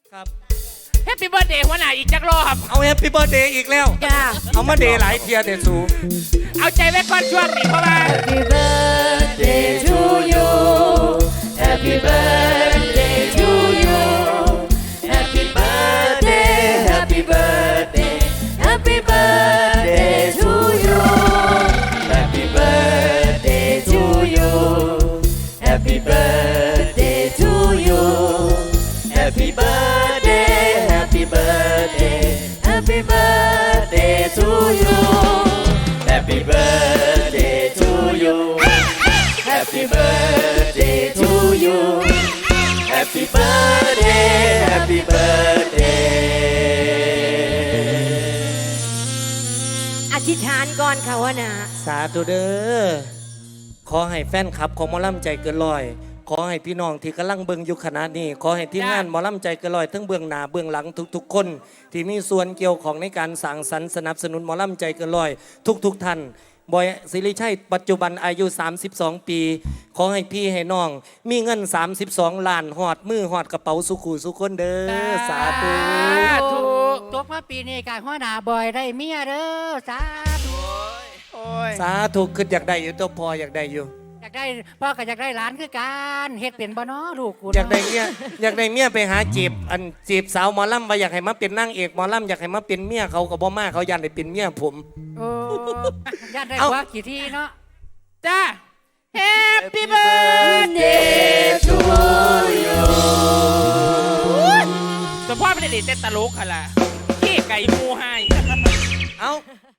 ครับแฮปปี้เบิร์ดเดย์หัวหน้าอีกจักรอบเอาแฮปปี้เบิร์ดเดย์อีกแล้วจ้าเอามาเดย์หลายเทียเดสูเอาใจไว้ก่อนช่วงนี้เพราะว่า Happy birthday to you Happy birthday to you Happy birthday Happy birthday Happy birthday to you Happy birthday to you Happy birthday to you Happy birthday Happy birthday Happy birthday to you Happy birthday to you Happy birthday to you Happy birthday Happy birthday อธิษฐานก่อนค่ะวะนะสาธุเด้อขอให้แฟนคลับของหมอลำใจเกินร้อย ขอให้พี่น้องที่กำลังเบิ่งอยู่ขณะนี้ขอให้ทีมงานหมอลำใจเกินร้อยทั้งเบื้องหน้าเบื้องหลังทุกๆคน ที่มีส่วนเกี่ยวของในการสร้างสรรค์สนับสนุนหมอลำใจเกินร้อยทุกท่านบอยศิริชัยปัจจุบันอายุ32 ปีขอให้พี่ให้น้อง มีเงิน32 ล้านหอดมือหอดกระเป๋าสุขุสุขคนเด้อสาธุถูกจบมาปีนี้การหัวหน้าบอยได้เมียเด้อสาธุโอ้ยสาธุคืออยากได้อยู่ตัวพออยากได้อยู่อยากได้พ่อก็อยากได้หลานคือกันเฮ็ดเป็นบ่เนาะลูกกูอยากได้เมียอยากได้เมียไปหาจีบสาวหมอลำว่าอยากให้มาเป็นนางเอกหมอลำอยากให้มาเป็นเมียเขากับบ่มาเขายันได้เป็นเมียผมโอ้ญาติได้เอ้าผัวกี่ทีเนาะจ้าแฮปปี้เบิร์ดเดย์ to you แต่พ่อไม่ได้เด็ดแต่ตลกค่ะล่ะขี้ไก่มูให้เอ้า